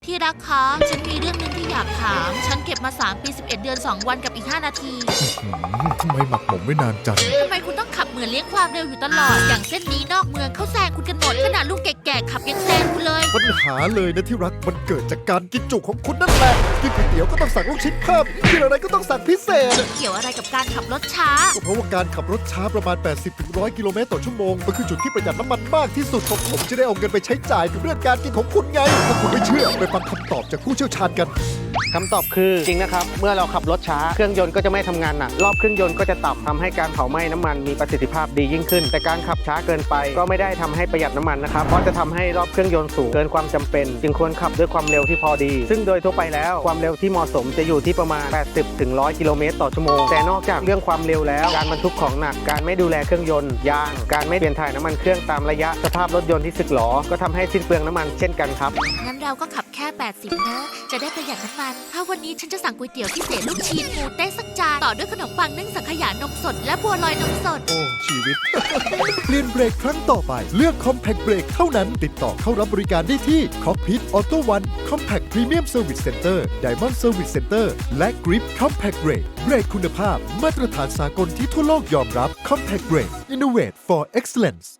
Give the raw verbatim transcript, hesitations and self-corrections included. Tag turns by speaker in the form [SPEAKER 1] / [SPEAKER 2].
[SPEAKER 1] ที่รักคะฉันมีเรื่องหนึงที่อยากถาม ฉันเก็บมาสามปีสิบเอ็ดเดือนสองวันกับอีกห้านาที
[SPEAKER 2] หืมทำไมหมักหมมไม่นานจัง
[SPEAKER 1] ทำไมคุณต้องขับเหมือนเลี้ยงความเร็วอยู่ตลอด อย่างเส้นนี้นอกเมืองเขาแซงคุณกันหมดขนาดลูกแก่ๆขับยังแซงคุณเลย
[SPEAKER 2] ปัญหาเลยนะที่รักมันเกิดจากการกินจุของคุณนั่นแหละกินก๋วยเตี๋ยวก็ต้องสั่งลูกชิ้นเพิ่มกินอะไรก็ต้องสั่งพิเศษ
[SPEAKER 1] เกี่ยวอะไรกับการขับรถช้า
[SPEAKER 2] ก็เพราะว่าการขับรถช้าประมาณ แปดสิบถึงหนึ่งร้อย กิโลเมตรต่อชั่วโมงมันคือจุดที่ประหยัดน้ำมันมากที่สุดของผมจะได้เอาเงินไปใช้จ่ายกับเรื่องการกินของคุณไงถ้าคุณไม่เชื่อไปฟังคำตอบจากผู้เชี่ยวชาญกัน
[SPEAKER 3] คำตอบคือจริงนะครับเมื่อเราขับรถช้าเครื่องยนต์ก็จะไม่ทำงานหนักรอบเครื่องยนต์ก็จะต่ำทำให้การเผาไหม้น้ำมันมีประสิทธิภาพดียิ่งขึ้น แต่การขับช้าเกินไปก็ไม่ได้ทำให้ประหยัดน้ำมันนะครับเพราะจะทำให้รอบเครื่องยนต์สูงเกินความจำเป็นจึงควรขับด้วยความเร็วที่พอดี ซึ่งโดยทั่วไปแล้วความเร็วที่เหมาะสมจะอยู่ที่ประมาณ แปดสิบถึงหนึ่งร้อย กิโลเมตรต่อชั่วโมงแต่นอกจากเรื่องความเร็วแล้วการบรรทุกของหนักการไม่ดูแลเครื่องยนต์ยางการไม่เปลี่ยนถ่ายน้ำมันเครื่องตามระยะสภาพรถยนต์ที่สึกหรอก็ทำให้สิ้นเปลืองน้ำมันเช่นกันครับ
[SPEAKER 1] งั้นเราก็ขับแค่แปดสิบนะจะได้ประหยัดน้ำมันถ้าวันนี้ฉันจะสั่งก๋วยเตี๋ยวพิเศษลูกชิ้นหมูเต้สักจานต่อด้วยขนมปังนึ่งสังขยานมสดและบัวลอยนมสด
[SPEAKER 2] โอ้ชีวิต เปลี่ยนเบรกครั้งต่อไปเลือก Compact Brake เท่านั้นติดต่อเข้ารับบริการได้ที่ Cockpit Auto One Compact Premium Service Center Diamond Service Center และ Grip Compact Brake เบรกคุณภาพมาตรฐานสากลที่ทั่วโลกยอมรับ Compact Brake Innovate for Excellence